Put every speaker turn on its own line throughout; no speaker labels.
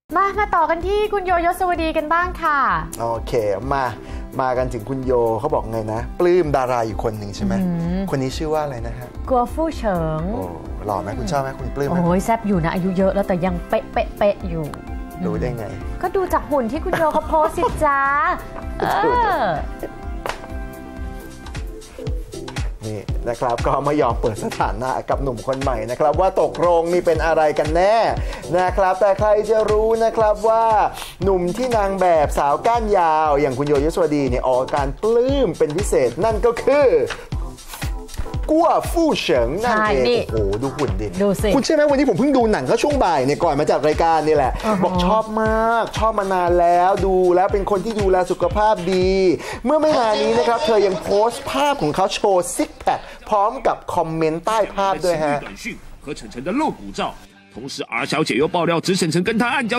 มาต่อกันที่คุณโยยศวดีกันบ้างค่ะ
โอเคมากันถึงคุณโยเขาบอกไงนะปลื้มดาราอยู่คนหนึ่งใช่ไหมคนนี้ชื่อว่าอะไรนะฮะ
กัวฟู่เฉิง
โอ้หล่อไหมคุณชอบไหมคุณปลื้มไหม
โอ้ยแซ่บอยู่นะอายุเยอะแล้วแต่ยังเป๊ะอยู่
รู้ได้ไง
ก็ดูจากหุ่นที่คุณโยเขาโพสสิจ้า
นี่นะครับก็ไม่ยอมเปิดสถานะกับหนุ่มคนใหม่นะครับว่าตกลงนี่เป็นอะไรกันแน่นะครับแต่ใครจะรู้นะครับว่าหนุ่มที่นางแบบสาวก้านยาวอย่างคุณโยยศวดีเนี่ยออกการปลื้มเป็นพิเศษนั่นก็คือกัวฟู่เฉิงนั่นเองโอ้โหดูหุ่นดิคุณใช่ไหมวันนี้ผมเพิ่งดูหนังเขาช่วงบ่ายเนี่ยก่อนมาจัดรายการนี่แหละบอกชอบมากชอบมานานแล้วดูแล้วเป็นคนที่ดูแลสุขภาพดีเมื่อไม่นานนี้นะครับเธอยังโพสต์ภาพของเขาโชว์ซิกแพคพร้อมกับคอมเมนต์ใต้ภาพด้วยฮะ
和晨晨的露骨照同时R小姐又爆料指晨晨跟她暗交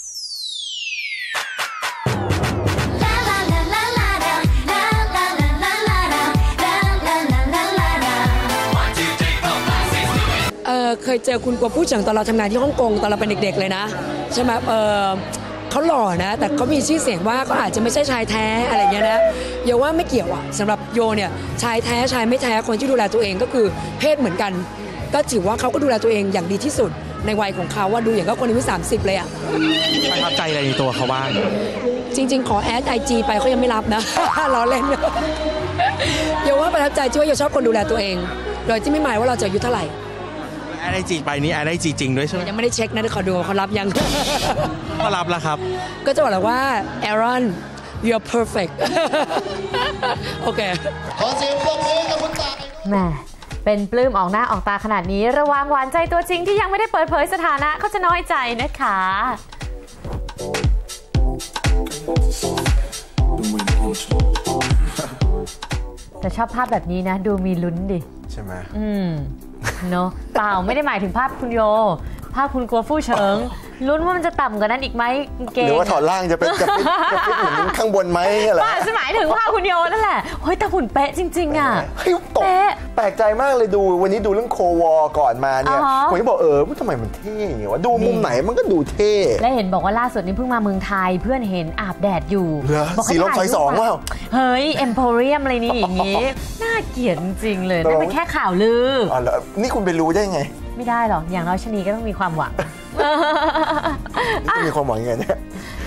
เคยเจอคุณกัวฟู่เฉิงตอนเราทำงานที่ฮ่องกงตอนเราเป็นเด็กๆเลยนะใช่ไหมเขาหล่อนะแต่เขามีชื่อเสียงว่าก็อาจจะไม่ใช่ชายแท้อะไรเงี้ยนะโยว่าไม่เกี่ยวอะสำหรับโยเนี่ยชายแท้ชายไม่แท้คนที่ดูแลตัวเองก็คือเพศเหมือนกันก็ถือว่าเขาก็ดูแลตัวเองอย่างดีที่สุดในวัยของเขาว่าดูอย่างก็คนอายุ30เลยอะ
ประทับใจอะไรในตัวเขาบ้าง
จริงๆขอแอดIGไปเขายังไม่รับนะล้อเล่นโยว่าประทับใจที่ว่าโยชอบคนดูแลตัวเองโดยที่ไม่หมายว่าเราจะอายุเท่าไหร่
แอดไอจีไปนี้แอดไอจีจริงด้วยใช่ไหม
ยังไม่ได้เช็คนะเดี๋ยวขอดูเขารับยัง
เขารับแล้วครับ
ก็จะบอกเลยว่า Aaron you're perfect โอเค
ขอเสียงปรบมือกับคุณตาแม่เป็นปลื้มออกหน้าออกตาขนาดนี้ระวังหวานใจตัวจริงที่ยังไม่ได้เปิดเผยสถานะเขาจะน้อยใจนะคะแต่ชอบภาพแบบนี้นะดูมีลุ้นดิ
ใช่ไหม
เนาะเปล่าไม่ได้หมายถึงภาพคุณโยภาพคุณกัวฟู่เฉิงลุ้นว่ามันจะต่ำกว่านั้นอีกไหม
เกงหรือว่าถอดล่างจะเป็นจะฟิตเหมือนข้างบนไหมอะไร
ป่าจะหมายถึงภาพคุณโยนั่นแหละเฮ้ยแต่หุ่นเป๊ะจริงๆอ่ะ
เป๊ะแปลกใจมากเลยดูวันนี้ดูเรื่องโควอก่อนมาเนี่ยผมก็บอกทำไมมันเท่อย่างเงี้ยวะดูมุมไหนมันก็ดูเท่
และเห็นบอกว่าล่าสุดนี้เพิ่งมาเมืองไทยเพื่อนเห็นอาบแดดอยู่
บอกสีลมซอย2ว่า
เฮ้ยเอ็มโพเรียมอะไรนี่อย่างงี้น่าเกลียดจริงๆเลยนั่นเป็นแค่ข่าวลือ
นี่คุณไปรู้ได้ไง
ไม่ได้หรอกอย่างน้อยชนีก็ต้องมีความหวัง
นี่มีความหวังยังไงเนี่ย